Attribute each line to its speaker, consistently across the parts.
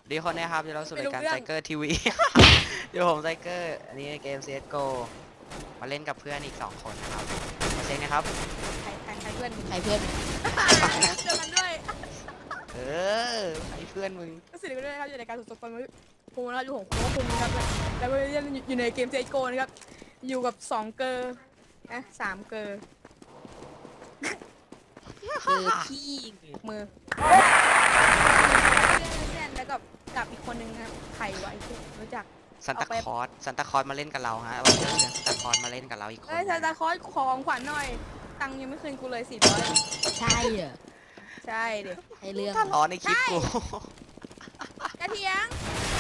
Speaker 1: ดีคนนะครับเดี๋ยวเราสู่รายการไซเกอร์ทีวีเดี๋ยวผมไซเกอร์อันนี้เกม CSGO มาเล่นกับเพื่อนอีก2 คนนะครับมาเช็คนะครับ
Speaker 2: ใครเพื่อน
Speaker 3: ใครเพื่อน
Speaker 2: เจอกันด้วย
Speaker 1: เออไอ้เพื่อนมึง
Speaker 2: ก็สิริกันด้วยนะครับอยู่ในการสุดสปอนภูมินะครับอยู่ของโค้ชภูมินะครับแล้วก็เล่นอยู่ในเกม CSGO นะครับอยู่กับ2เกอร์นะ3เกอร์
Speaker 3: ขี้
Speaker 2: มือเล่นแล้วกับอีกคนนึงนะครับใครวะไอ้ที่รู้จัก
Speaker 1: ซันตาคอร์สมาเล่นกับเราฮะวันนี้เชิญซันตาคอร์สมาเล่นกับเราอีกคน
Speaker 2: ซานตาคลอสของขวัญหน่อยตังค์ยังไม่คืนกูเลย400
Speaker 3: ใช่เหรอ
Speaker 2: ใช่เด็ก
Speaker 3: ให้เรื่อง
Speaker 1: ถ้าร้อนในคลิปกู
Speaker 2: กระเทียง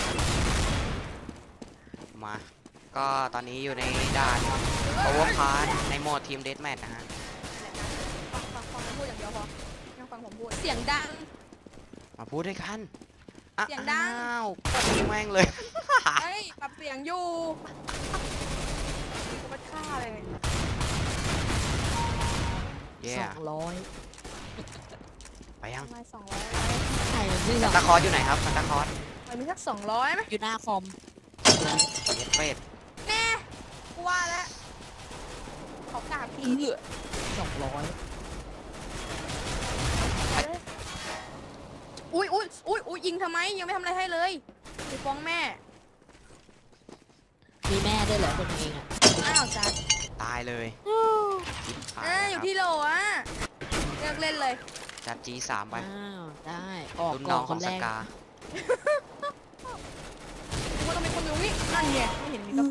Speaker 1: มาก็ตอนนี้อยู่ในด่านโอเวอร์พาร์ในโหมดทีมเดธแมทนะฮะ
Speaker 2: ฟังพูดอย่างเดียวพอไม่ต้องฟังผมพูดเสียงดัง
Speaker 1: มาพูดด้วยกัน
Speaker 2: เสียงดัง
Speaker 1: อ้าวกดแม่งเลย
Speaker 2: เฮ้ยปรับเสียงอยู่กูมาฆ่าเลย
Speaker 3: 200
Speaker 1: ไปยัง
Speaker 2: ทำไม200
Speaker 3: ใช่มัน
Speaker 1: ซันตาคอร์สอยู่ไหนครับซันตาคอร์ส
Speaker 2: มันมีสัก200ไหม
Speaker 3: อยู่หน้าคอม
Speaker 1: เย็ดเฟส
Speaker 2: แน่กูว่าแล้วเขากราบพี่
Speaker 3: 200
Speaker 2: อุ้ยยิงทำไมยังไม่ทำอะไรให้เลยไปฟ้องแม่
Speaker 3: มีแม่ด้วยเหรอคนเองอ่ะ
Speaker 2: อ้าวจัด
Speaker 1: ตายเลย
Speaker 2: อยู่ที่โหลอ่ะเลิกเล่นเลย
Speaker 1: จัด G3 ไป
Speaker 3: อ้าวได้ออก
Speaker 1: รุ่น
Speaker 3: ก่
Speaker 1: น้
Speaker 3: อ
Speaker 1: อน ง
Speaker 3: ค
Speaker 1: ของ
Speaker 3: น
Speaker 1: ส
Speaker 3: แรก
Speaker 1: กา
Speaker 2: ว่าต้องเป็นคนอยู่นี่นั่นไงไม่เห็นมีก็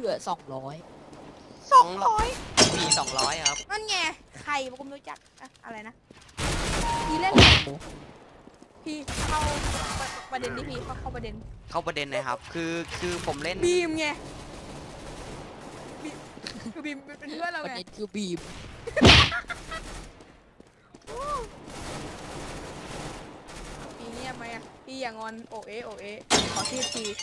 Speaker 3: 200
Speaker 1: มี200ครับ
Speaker 2: นั่นไงใครกูไม่รู้จักอะไรนะพี่เล่นพี่เข้าประเด็นดิพี่เข้าประเด็น
Speaker 1: เข้าประเด็นนะครับคือผมเล่น
Speaker 2: บีมไงคือบีมเป็นเพื่อนเรา
Speaker 3: ประ
Speaker 2: ไง
Speaker 3: เด็นคือบีม
Speaker 2: พี่เงียบไหมอ่ะพี่อย่างอนโอเอขอที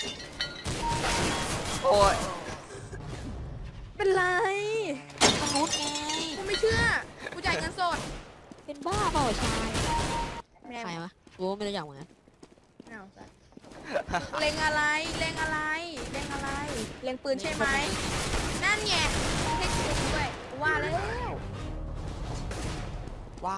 Speaker 1: โอ้ย
Speaker 2: เป็นไร
Speaker 3: มนุษย์ไง
Speaker 2: กูไม่เชื่อกูจ่ายเงินสด
Speaker 3: เป็นบ้าเปล่าชาย
Speaker 2: แม่
Speaker 3: ใครวะกูไม่รู้จักเหมือนกัน
Speaker 2: อ้าวเล็งอะไรเล็งปืนใช่ไหมนั่นไงให้ปืนด้วยว่าแล้ว
Speaker 1: ว่า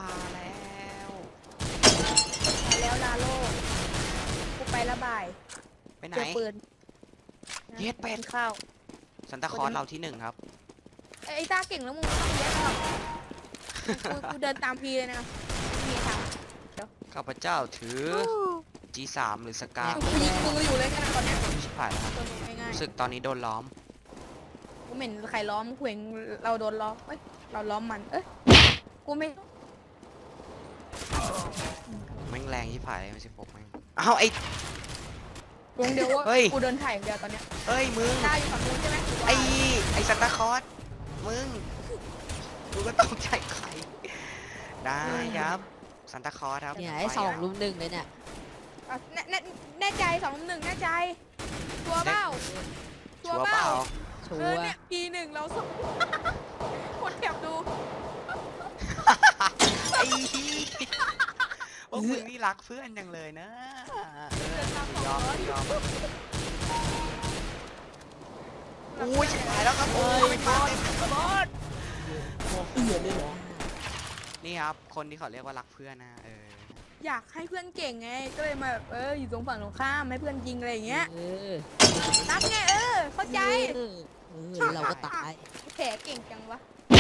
Speaker 1: แล้ว
Speaker 2: ลาโลกูไประบาย
Speaker 1: ไปไหน
Speaker 2: เจอปืน
Speaker 1: เย็ดเป็ด
Speaker 2: ข้าว
Speaker 1: ซันตาคอร์สเราที่1ครับ
Speaker 2: ไอ้ตาเก่งแล้วมึงไม่ต้องเย็ดหรอกกูเดินตามพีเลยนะมีทาง
Speaker 1: ข้าพเจ้าถือ G3 หรือสกา
Speaker 2: กูยิงมืออยู่เลยกันตอนเนี้ย
Speaker 1: ชิบหายแล้วครับ
Speaker 2: ตัวมึงง่าย
Speaker 1: รู้สึกตอนนี้โดนล้อม
Speaker 2: ๆกูเหม็นใครล้อมกูเห็นเราโดนล้อมเอ้ยเราล้อมมันกูไม่
Speaker 1: แม่งแรงชิบหายเลยไม่ใช่ปกแม่งอ้าวไอ้
Speaker 2: วงเดียวว่า
Speaker 1: เฮ้ย
Speaker 2: กูเดินถ่ายอย่างเดียวตอนเนี้ย
Speaker 1: เอ้ยมึง
Speaker 2: ตาอยู่ฝั่งนู้นใช่ไหม
Speaker 1: ไอ้ซันตาคอร์สมึงกูก็ต้องใจใครได้ครับซันตาคอร์สครับ
Speaker 3: เนี่ยไอ้2-1เลยเนี่ย
Speaker 2: แน่ใจ2-1แน่ใจชัวร์เปล่า
Speaker 1: ชัวร์เปล่า
Speaker 3: ชัว
Speaker 2: เนี่ย P1 เราส่งคนแคบดู
Speaker 1: ไอ้พวกมึงนี่รักเพื่อนจังเลยนะยอมอุ้ยชิบหายแล้วครับโอ้ยมาเต็มบอส
Speaker 3: เหลือเลยเหรอ
Speaker 1: นี่ครับคนที่เขาเรียกว่ารักเพื่อนนะ
Speaker 2: อยากให้เพื่อนเก่งไงก็เลยมาแบบอยู่ตรงฝั่งตรงข้ามให้เพื่อนยิงอะไรอย่างเงี้ยรักไงเข้าใจ
Speaker 3: เราก็ตาย
Speaker 2: แผลเก่งจังวะ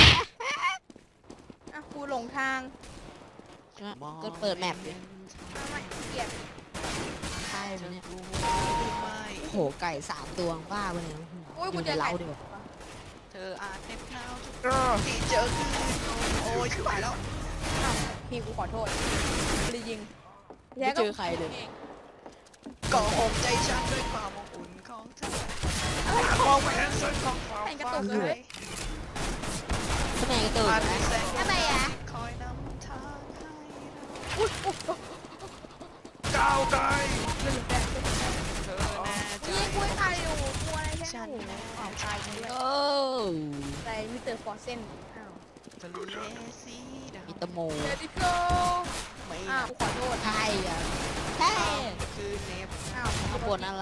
Speaker 2: อ่ะกูหลงทาง
Speaker 3: ก็เปิดแมปดิ
Speaker 2: ไม่เกลียด
Speaker 3: ใช่ไหมเนี่ยโอ้โหไก่3 ตัวบ้าไปเลย
Speaker 2: โอ้ย
Speaker 3: อ
Speaker 2: กู
Speaker 3: ยู่ใน
Speaker 2: จะ
Speaker 3: เล้าดีกว่า
Speaker 1: เธออาจเน็บหนาวที่เจอคือโอ้ยชิบหายแล้ว
Speaker 2: อ้าวพี่กูขอโทษไม่ได้ยิง
Speaker 3: ไม่เจอใครเลย
Speaker 1: ก็หอมใจฉันด้วยความอบอุ่นของเธอมองไปนั้นสุดของความฝันเลย
Speaker 3: ทำไมกระตุกนะ
Speaker 2: ทำไมอ่ะ
Speaker 1: คอยนำทางให้
Speaker 2: อุ้ย
Speaker 1: ก้าวไกล
Speaker 2: เรื่องแต่
Speaker 1: เธอแน่ใจ
Speaker 2: นี่กูใครอยู่กูอะไรแค่หนูอ้าวตายเลย
Speaker 3: โอ้
Speaker 2: ใส่มิสเตอร์ฟอร์เซนอ้าว
Speaker 1: ทะเลสีดำ
Speaker 3: อิตาโม
Speaker 2: เลดิโก
Speaker 1: ไม่
Speaker 2: อ้าวกูขอโทษ
Speaker 3: ใช่อ่ะใช่
Speaker 1: คือเนฟ
Speaker 2: อ้าวกู
Speaker 3: บ่นอะไร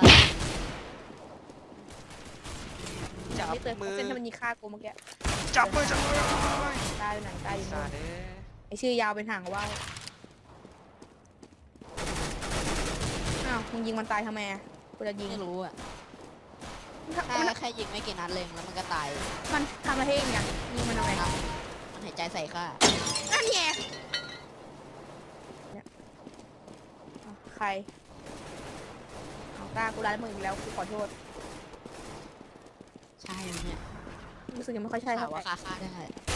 Speaker 1: จับ
Speaker 2: ไม่เตือน
Speaker 1: มือ
Speaker 2: เส้นที่มันยิงฆ่ากูเมื่อกี้
Speaker 1: จับมือจับมือ
Speaker 2: ตายไปไหนตายอยู่
Speaker 1: ซา
Speaker 2: นู่น
Speaker 1: เด้อ
Speaker 2: ไอชื่อยาวเป็นหางว่าวอ้าวมึงยิงมันตายทำไมอะกูจะยิง
Speaker 3: ไม่รู้อ่ะ
Speaker 2: มัน
Speaker 3: แค่ยิงไม่กี่นัดเลยแล้วมันก็ตาย
Speaker 2: มันทำมาให้เองไงยิงมันทำไม
Speaker 3: มันหายใจใส่ข้า
Speaker 2: นั่นไงเนี่ยอ้าวใครเอาตากูร้านมึงอีกแล้วกูขอโทษ
Speaker 3: ใช่ไหมเนี่ย
Speaker 2: รู้สึกยังไม่ค่อยใช่
Speaker 3: ถา
Speaker 2: เท่าม ไหร่
Speaker 3: ว่าฆ่าได้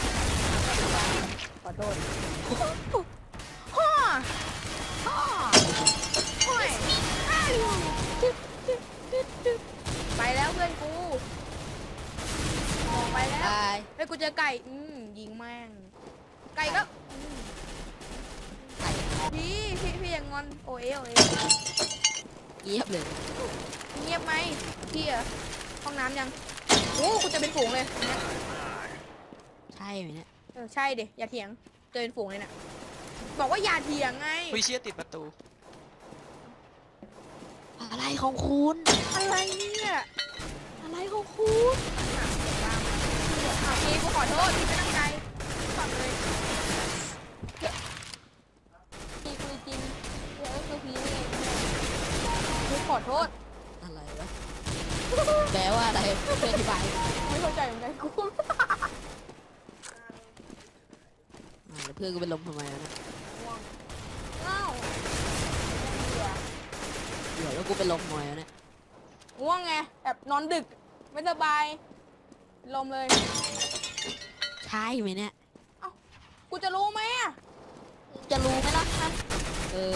Speaker 2: ขอโทษฮ่อฮ่อโอ้ยไปแล้วเพื่อนกูออกไปแล้ว
Speaker 3: ตาย
Speaker 2: เฮ้ยกูเจอไก่ยิงแม่ง ไก่ก็พี่อย่างงอนโอเอโอเอ
Speaker 3: เงียบเลย
Speaker 2: เงียบไหมพี่อะห้องน้ำยังโอ้กูจะเป็นฝูงเลยเนี่ย
Speaker 3: ใช่ไหมเนี่ย
Speaker 2: ใช่ดิอย่าเถียงเจอเป็นฝูงเลยน่ะบอกว่าอย่าเถียงไง
Speaker 1: วิเชียติดประตู
Speaker 3: อะไรของคุณ
Speaker 2: อะไรเนี่ย
Speaker 3: อะไรของคุณ
Speaker 2: พี่กูขอโทษพี่ไม่ตั้งใจขอเลยพี่กูจริงเดี๋ยวคือพี่นี่กูขอโทษ
Speaker 3: อะไรวะแปลว่าอะไรเป็นอธิบาย
Speaker 2: ไม่เข้าใจเหมือนกันกู
Speaker 3: แล้วเพื่อนกูเป็นลมทำไมวะเนี่ย
Speaker 2: ง่วง
Speaker 3: เดี๋ยวแล้วกูเป็นลมทำไมวะเนี่ย
Speaker 2: ง่วงไงแบบนอนดึกไม่สบายลมเลย
Speaker 3: ใช่ไหมเนี่ย
Speaker 2: กูจะรู้ไหมอ่ะ
Speaker 3: จะรู้ไหมล่ะครับ
Speaker 2: อู้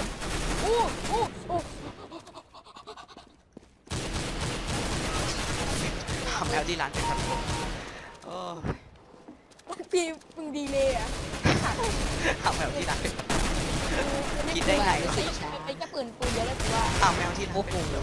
Speaker 1: ทำแล้วที่ร้านเป็นครับโอ้
Speaker 2: พี่มึงดีเลยอ่ะ
Speaker 1: ทำแล้วที่ร้านเป็นคิดได้ไงวะ
Speaker 2: ไอ้จะปืนเยอะเลยกูว่า
Speaker 1: ทำแล้วที่ร้าน
Speaker 3: โอ้
Speaker 1: เป็น
Speaker 3: โห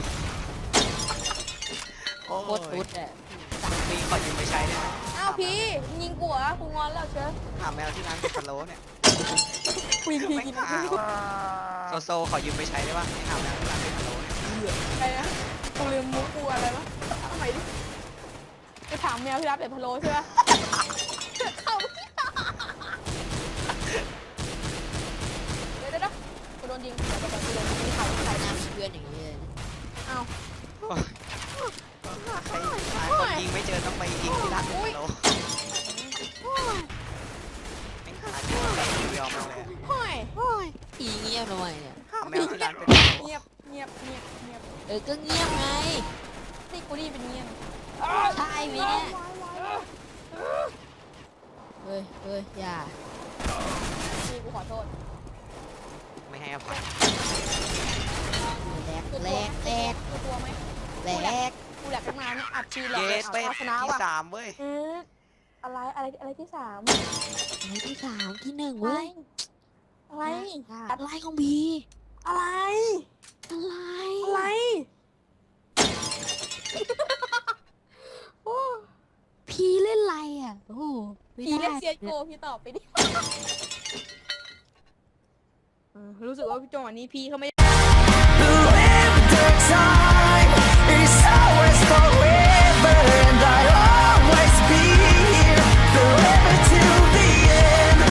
Speaker 1: โอ้
Speaker 3: โคตรตุ๊ดอ่ะ
Speaker 1: มีขอยืมไปใช้ได้ไหม
Speaker 2: อ้าวพี่ยิงกูเหรอกูงอนแล้วเชียว
Speaker 1: ถามแมวที่ร้านเป็นพะโล้เนี่ย
Speaker 2: กูยิงพี่
Speaker 1: ไม่
Speaker 2: กิน
Speaker 1: ขาวโซขอยืมไปใช้ได้ป่ะไม่ถามแมวที่ร้านเป็นพะโล้เนี่ย
Speaker 2: อะไรนะกูลืมมุกกูอะไรวะทำไมดิไปถามแมวที่รับเป็ดพะโล้ใช่ปะเดี๋ยวกูโดนยิงเดี๋ยวกูโดนยิงเขา
Speaker 3: ใครหน้ามีเพื่อนอย่างนี้เลย
Speaker 2: อ้าว
Speaker 1: ใครหาคนยิงไม่เจอต้องไปยิงที่ร้านเป็นพะโล้ไม่หาที่ไหนเดียวมาเลย
Speaker 2: ห้อย
Speaker 3: อีเงียบทำไมเนี่ย
Speaker 1: ถามแมวที่ร้านเป็นพะโล้
Speaker 2: เงียบ
Speaker 3: ก็เงียบไง
Speaker 2: นี่กูนี่เป็นเงียบ
Speaker 3: ใช่ไหมเนี่ยเฮ้ยอย่า
Speaker 2: นี่กูขอโทษ
Speaker 1: ไม่ให้อภัย
Speaker 3: แหลก
Speaker 2: กู
Speaker 3: แหลกแหลก
Speaker 2: กลัวไหม
Speaker 3: แหลก
Speaker 2: กูแหลกตั้งนานอัดชีแหล
Speaker 1: เย
Speaker 2: ก
Speaker 1: สเป็ด
Speaker 2: เอาชนะ
Speaker 1: ที่
Speaker 2: ว่ะ
Speaker 1: 3เว้ย
Speaker 2: อะไรที่สาม
Speaker 3: อะไรที่สามที่หนึ่งเว้ย
Speaker 2: อะไร
Speaker 3: อะไรของบี
Speaker 2: อะไร
Speaker 3: อะไร
Speaker 2: อะไรโอ้
Speaker 3: พีเล่นอะไรอ่ะโอ้โหไม่
Speaker 2: พี่
Speaker 3: ได้
Speaker 2: เล่นเซียโกพี่ตอบไปดิรู้สึกว่าจังหวะนี้พี่เขาไม่
Speaker 4: Whoever takes on